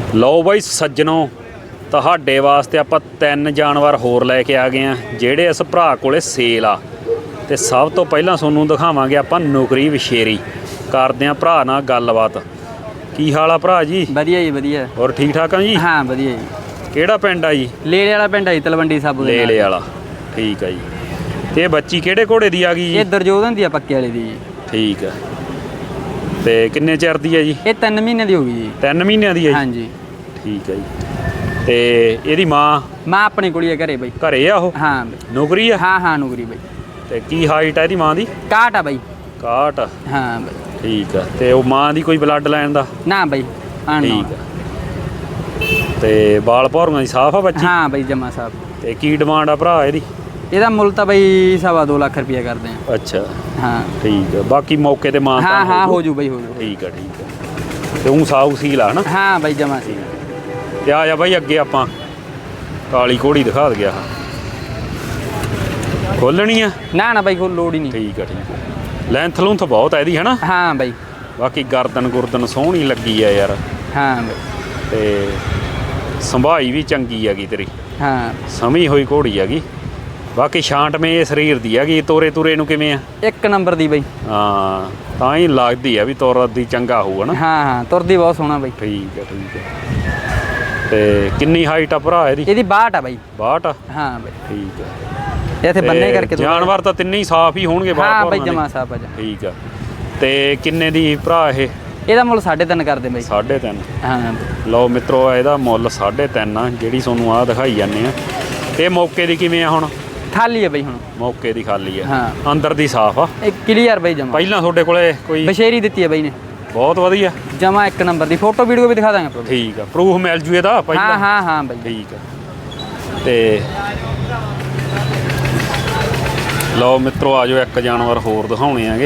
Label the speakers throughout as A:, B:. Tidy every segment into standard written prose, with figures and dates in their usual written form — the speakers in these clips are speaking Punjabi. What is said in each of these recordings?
A: ਲਓ ਬਾਈ ਸੱਜਣੋ, ਤੁਹਾਡੇ ਵਾਸਤੇ ਆਪਾਂ 3 ਜਾਨਵਰ ਹੋਰ ਲੈ ਕੇ ਆ ਗਏ ਆ ਜਿਹੜੇ ਇਸ ਭਰਾ ਕੋਲੇ ਸੇਲ ਆ। ਤੇ ਸਭ ਤੋਂ ਪਹਿਲਾਂ ਤੁਹਾਨੂੰ ਦਿਖਾਵਾਂਗੇ ਆਪਾਂ ਨੁਕਰੀ ਵਿਸ਼ੇਰੀ। ਕਰਦੇ ਆ ਭਰਾ ਨਾਲ ਗੱਲਬਾਤ। ਕੀ ਹਾਲ ਆ ਭਰਾ ਜੀ?
B: ਵਧੀਆ ਜੀ ਵਧੀਆ।
A: ਹੋਰ ਠੀਕ ਠਾਕ ਆ ਜੀ?
B: ਹਾਂ ਵਧੀਆ ਜੀ।
A: ਕਿਹੜਾ ਪਿੰਡ ਆ ਜੀ?
B: ਲੇਲੇ ਵਾਲਾ ਪਿੰਡ ਆ ਜੀ, ਤਲਵੰਡੀ ਸਾਬੋ ਦੇ
A: ਲੇਲੇ ਵਾਲਾ। ਠੀਕ ਆ ਜੀ। ਤੇ ਬੱਚੀ ਕਿਹੜੇ ਘੋੜੇ ਦੀ ਆ ਗਈ ਜੀ?
B: ਇਹ ਦਰਜੋਧਨ ਦੀ ਆ, ਪੱਕੇ ਵਾਲੇ ਦੀ ਜੀ।
A: ਠੀਕ ਆ। ਤੇ ਕਿੰਨੇ ਚਿਰ ਦੀ ਆ ਜੀ?
B: ਇਹ 3 ਮਹੀਨੇ ਦੀ ਹੋ ਗਈ ਜੀ।
A: 3 ਮਹੀਨਿਆਂ ਦੀ ਆ ਜੀ?
B: ਹਾਂਜੀ।
A: ਠੀਕ ਆ ਜੀ। ਤੇ ਇਹਦੀ ਮਾਂ
B: ਆਪਣੇ ਕੋਲ ਹੀ ਆ ਘਰੇ ਬਾਈ।
A: ਘਰੇ ਆ ਉਹ?
B: ਹਾਂ
A: ਨੌਕਰੀ ਆ?
B: ਹਾਂ ਨੌਕਰੀ ਬਾਈ।
A: ਤੇ ਕੀ ਹਾਈਟ ਆ ਇਹਦੀ ਮਾਂ ਦੀ?
B: 61 ਆ ਬਾਈ।
A: 61?
B: ਹਾਂ ਬਾਈ।
A: ਠੀਕ ਆ। ਤੇ ਉਹ ਮਾਂ ਦੀ ਕੋਈ ਬਲੱਡ ਲਾਈਨ ਦਾ?
B: ਨਾ ਬਾਈ।
A: ਠੀਕ ਆ। ਤੇ ਬਾਲ ਭੌਰੀਆਂ ਦੀ ਸਾਫ ਆ ਬੱਚੀ?
B: ਹਾਂ ਬਾਈ ਜਮਾ ਸਾਹਿਬ।
A: ਤੇ ਕੀ ਡਿਮਾਂਡ ਆ ਭਰਾ ਇਹਦੀ?
B: ਇਹਦਾ ਮੁੱਲ ਤਾਂ ਬਾਈ 2.5 ਲੱਖ ਰੁਪਇਆ ਕਰਦੇ ਆ।
A: ਅੱਛਾ।
B: ਹਾਂ
A: ਠੀਕ ਆ। ਬਾਕੀ ਮੌਕੇ ਤੇ ਮਾਂ
B: ਹਾਂ ਹੋ ਜੂ ਬਾਈ, ਹੋ ਜੂ।
A: ਠੀਕ ਆ। ਤੇ ਉਹ ਸਾਊ ਸੀਲ ਆ ਨਾ?
B: ਹਾਂ ਬਾਈ ਜਮਾ ਸੀ।
A: ਤੇ ਆ ਜਾ ਬਾਈ ਅੱਗੇ ਆਪਾਂ ਕਾਲੀ ਘੋੜੀ ਦਿਖਾ ਦੇ ਗਿਆ। ਖੋਲਣੀ ਆ?
B: ਨਾ ਬਾਈ ਕੋਲ ਲੋੜ ਹੀ ਨਹੀਂ।
A: ਠੀਕ ਆ। ਲੈਂਥ ਲੂੰਥ ਬਹੁਤ ਆ ਇਹਦੀ ਹੈ ਨਾ?
B: ਹਾਂ ਬਾਈ।
A: ਬਾਕੀ ਗਰਦਨ ਸੋਹਣੀ ਲੱਗੀ ਆ ਯਾਰ।
B: ਹਾਂ ਬਾਈ।
A: ਤੇ ਸੰਭਾਈ ਵੀ ਚੰਗੀ ਹੈਗੀ ਤੇਰੀ।
B: ਹਾਂ
A: ਸਮੀ ਹੋਈ ਘੋੜੀ ਹੈਗੀ। ਬਾਕੀ ਛਾਂਟਵੇਂ ਇਹ ਸਰੀਰ ਦੀ ਹੈਗੀ। ਤੋਰੇ ਨੂੰ ਕਿਵੇਂ ਆ?
B: 1 ਨੰਬਰ ਦੀ ਬਾਈ।
A: ਹਾਂ ਤਾਂ ਹੀ ਲੱਗਦੀ ਆ ਵੀ ਤੁਰਦੀ ਚੰਗਾ ਹੋਊਗਾ ਨਾ।
B: ਹਾਂ ਤੁਰਦੀ ਬਹੁਤ ਸੋਹਣਾ ਬਾਈ।
A: ਠੀਕ ਆ। ਤੇ ਕਿੰਨੀ ਹਾਈਟ ਆ ਭਰਾ ਇਹਦੀ?
B: ਇਹਦੀ 62 ਆ ਬਾਈ।
A: 62?
B: ਹਾਂ ਬਾਈ।
A: ਠੀਕ ਆ।
B: ਇੱਥੇ ਬੰਨੇ ਕਰਕੇ
A: ਜਾਨਵਰ ਤਾਂ ਤਿੰਨੇ ਹੀ ਸਾਫ਼ ਹੀ ਹੋਣਗੇ?
B: ਹਾਂ ਬਾਈ ਜਮਾ ਸਾਫ਼ ਆ ਜਾ।
A: ਠੀਕ ਆ। ਤੇ ਕਿੰਨੇ ਦੀ ਭਰਾ ਇਹ?
B: ਇਹਦਾ ਮੁੱਲ 3.5 ਕਰਦੇ ਬਾਈ।
A: 3.5?
B: ਹਾਂ
A: ਲਓ ਮਿੱਤਰੋ, ਇਹਦਾ ਮੁੱਲ 3.5 ਆ ਜਿਹੜੀ ਤੁਹਾਨੂੰ ਆ ਦਿਖਾਈ ਜਾਂਦੇ ਆ। ਤੇ ਮੌਕੇ ਦੀ ਕਿਵੇਂ ਆ ਹੁਣ?
B: ਖਾਲੀ ਆ ਬਾਈ ਹੁਣ।
A: ਮੌਕੇ ਦੀ ਖਾਲੀ ਆ?
B: ਹਾਂ।
A: ਅੰਦਰ ਦੀ ਸਾਫ਼ ਆ?
B: ਇਹ ਕਲੀਅਰ ਬਾਈ ਜਮਾ।
A: ਪਹਿਲਾਂ ਤੁਹਾਡੇ ਕੋਲੇ ਕੋਈ
B: ਬਸ਼ੇਰੀ ਦਿੱਤੀ ਆ ਬਾਈ ਨੇ?
A: ਬਹੁਤ ਵਧੀਆ
B: ਜਮਾ 1 ਨੰਬਰ ਦੀ। ਫੋਟੋ ਵੀਡੀਓ ਵੀ ਦਿਖਾ ਦਾਂਗੇ ਆਪਾਂ।
A: ਠੀਕ ਆ। ਪ੍ਰੂਫ ਮਿਲ ਜੂ ਇਹਦਾ ਪਹਿਲਾਂ?
B: ਹਾਂ ਬਾਈ।
A: ਠੀਕ ਆ। ਤੇ ਲਓ ਮਿੱਤਰੋ, ਆ ਜਾਓ ਇੱਕ ਜਾਨਵਰ ਹੋਰ ਦਿਖਾਉਣੇ ਆਗੇ।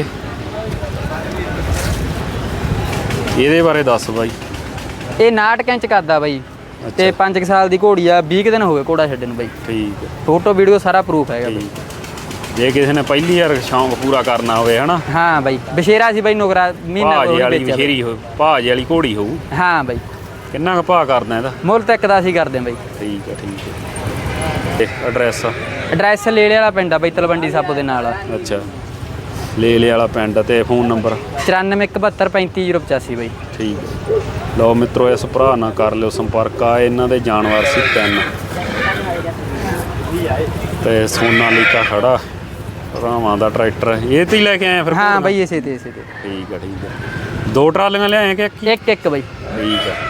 A: ਇਹਦੇ ਬਾਰੇ ਦੱਸ ਬਾਈ।
B: ਇਹ 59 ਇੰਚ ਕਰਦਾ ਬਾਈ। ਤੇ 5 ਸਾਲ ਦੀ ਘੋੜੀ ਆ। 20 ਦਿਨ ਹੋ ਗਏ ਘੋੜਾ ਛੱਡਣ ਨੂੰ ਬਾਈ।
A: ਠੀਕ ਆ।
B: ਫੋਟੋ ਵੀਡੀਓ ਸਾਰਾ ਪ੍ਰੂਫ ਹੈਗਾ ਬਾਈ।
A: ਜੇ ਕਿਸੇ ਨੇ ਪਹਿਲੀ ਵਾਰ ਸ਼ੌਂਕ ਪੂਰਾ ਕਰਨਾ ਹੋਵੇ ਹਨਾ? ਹਾਂ
B: ਬਾਈ। ਬਸ਼ੇਰਾ ਸੀ ਬਾਈ ਨੁਕਰਾ ਮਹੀਨਾ
A: ਭਾਜ ਵਾਲੀ ਬਸ਼ੇਰੀ ਹੋ, ਭਾਜ ਵਾਲੀ ਘੋੜੀ ਹੋਊ।
B: ਹਾਂ ਬਾਈ।
A: ਕਿੰਨਾ ਕੁ ਭਾਅ ਕਰਦਾ ਇਹਦਾ?
B: ਮੁੱਲ ਤਾਂ 1.10 ਹੀ ਕਰਦੇ ਬਾਈ।
A: ਠੀਕ ਆ। ਤੇ
B: ਐਡਰੈਸ ਲੇਲੇ ਵਾਲਾ ਪਿੰਡ ਆ ਬਾਈ, ਤਲਵੰਡੀ ਸਾਬੋ ਦੇ ਨਾਲ।
A: ਅੱਛਾ। ਲੇਲੇ ਵਾਲਾ ਪਿੰਡ। ਤੇ ਫੋਨ ਨੰਬਰ?
B: 9417353085 ਬਾਈ।
A: ਠੀਕ ਹੈ। ਲਓ ਮਿੱਤਰੋ, ਇਸ ਭਰਾ ਨਾਲ ਕਰ ਲਿਓ ਸੰਪਰਕ। ਆ ਇਹਨਾਂ ਦੇ ਜਾਨਵਰ ਸੀ 3। ਤੇ ਸੋਨਾਲੀਕਾ ਖੜਾ ਭਰਾਵਾਂ ਦਾ ਟਰੈਕਟਰ। ਇਹ ਤੇ ਹੀ ਲੈ ਕੇ ਆਏ ਫਿਰ?
B: ਹਾਂ ਬਾਈ ਇਸੇ ਤੇ।
A: ਠੀਕ ਆ। 2 ਟਰਾਲੀਆਂ ਲਿਆਏ ਕਿ
B: ਇੱਕ ਬਾਈ?
A: ਠੀਕ ਆ।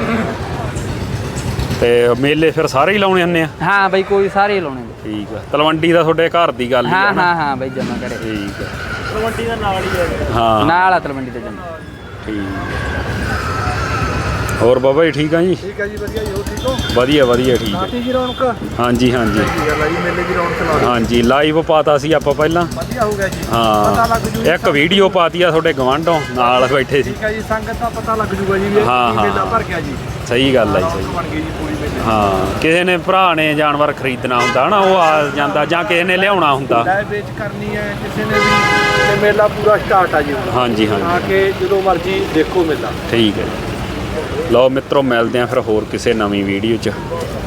A: ਤੇ ਮੇਲੇ ਫਿਰ ਸਾਰੇ ਹੀ ਲਾਉਣੇ ਹੁੰਦੇ ਆ?
B: ਹਾਂ ਬਾਈ ਕੋਈ ਸਾਰੇ ਹੀ ਲਾਉਣੇ।
A: ਠੀਕ ਆ। ਤਲਵੰਡੀ ਦਾ ਤੁਹਾਡੇ ਘਰ ਦੀ ਗੱਲ?
B: ਹਾਂ ਬਾਈ ਜਮਾ ਕਰੇ।
A: ਠੀਕ ਆ।
B: ਤਲਵੰਡੀ ਦਾ ਨਾਲ ਹੀ ਹੈ।
A: ਹਾਂ
B: ਨਾਲ ਆ ਤਲਵੰਡੀ ਤੇ ਜਮਾ।
A: ਠੀਕ। ਹੋਰ ਬਾਬਾ ਜੀ ਠੀਕ ਆ ਜੀ?
C: ਠੀਕ ਆ ਜੀ ਵਧੀਆ ਜੀ। ਹੋ ਠੀਕ ਹੋ?
A: ਵਧੀਆ ਠੀਕ ਆ।
C: ਜੀ ਰੌਣਕ?
A: ਹਾਂਜੀ
C: ਮੇਲੇ ਦੀ ਰੌਣਕ ਲਾ।
A: ਹਾਂਜੀ ਲਾਈਵ ਪਾਤਾ ਸੀ ਆਪਾਂ ਪਹਿਲਾਂ।
C: ਵਧੀਆ ਹੋ ਗਿਆ ਜੀ।
A: ਹਾਂ।
C: ਪਤਾ ਲੱਗ ਜੂ।
A: ਇੱਕ ਵੀਡੀਓ ਪਾਤੀ ਆ ਤੁਹਾਡੇ ਗਵਾਂਢੋਂ ਨਾਲ ਬੈਠੇ ਸੀ।
C: ਠੀਕ ਆ ਜੀ। ਸੰਗਤ ਦਾ ਪਤਾ ਲੱਗ ਜੂਗਾ ਜੀ ਵੀ ਮੇਲਾ ਭਰ ਗਿਆ ਜੀ।
A: ਸਹੀ ਗੱਲ ਆ ਜੀ। ਸਹੀ
C: ਬਣ ਗਈ ਜੀ ਪੂਰੀ ਮੇਲੇ।
A: ਹਾਂ। ਕਿਸੇ ਨੇ ਭਰਾ ਨੇ ਜਾਨਵਰ ਖਰੀਦਣਾ ਹੁੰਦਾ ਨਾ, ਉਹ ਆ ਜਾਂਦਾ, ਜਾਂ ਕਿਸੇ ਨੇ ਲਿਆਉਣਾ ਹੁੰਦਾ।
C: ਲੈ ਵੇਚ ਕਰਨੀ ਹੈ ਕਿਸੇ ਨੇ ਵੀ। ਤੇ ਮੇਲਾ ਪੂਰਾ ਸਟਾਰਟ ਆ ਜੀ।
A: ਹਾਂਜੀ
C: ਆ ਕੇ ਜਦੋਂ ਮਰਜ਼ੀ ਦੇਖੋ ਮੇਲਾ।
A: ਠੀਕ ਹੈ। ਲਓ ਮਿੱਤਰੋ, ਮਿਲਦੇ ਆ ਫਿਰ ਹੋਰ ਕਿਸੇ ਨਵੀਂ ਵੀਡੀਓ 'ਚ।